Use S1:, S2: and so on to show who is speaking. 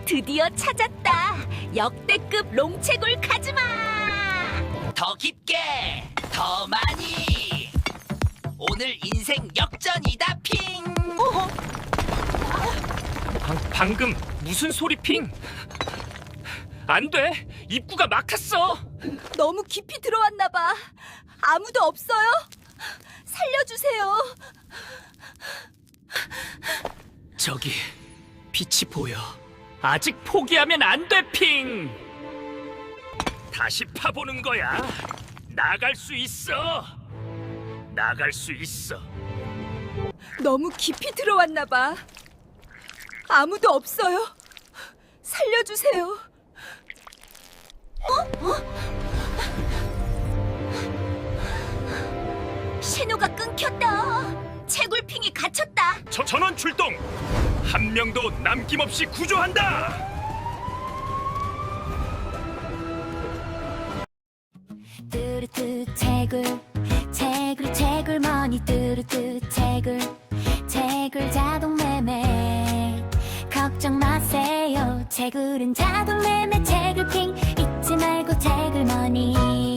S1: 드디어 찾았다. 역대급 롱채굴 카즈마.
S2: 더 깊게, 더 많이. 오늘 인생 역전이다, 핑.
S3: 방금 무슨 소리 핑? 안 돼! 입구가 막혔어!
S1: 너무 깊이 들어왔나 봐. 아무도 없어요? 살려주세요.
S3: 저기 빛이 보여. 아직 포기하면 안 돼, 핑! 다시 파보는 거야. 나갈 수 있어. 나갈 수 있어.
S1: 너무 깊이 들어왔나 봐. 아무도 없어요. 살려주세요. 신호가 끊겼다. 채굴핑이 갇혔다.
S3: 전원 출동! 한 명도 남김없이 구조한다!
S4: 뚜루뚜 채굴 머니 뚜루뚜 채굴 자동 매매 걱정 마세요 채굴은 자동 매매 채굴핑 잊지 말고 채굴 머니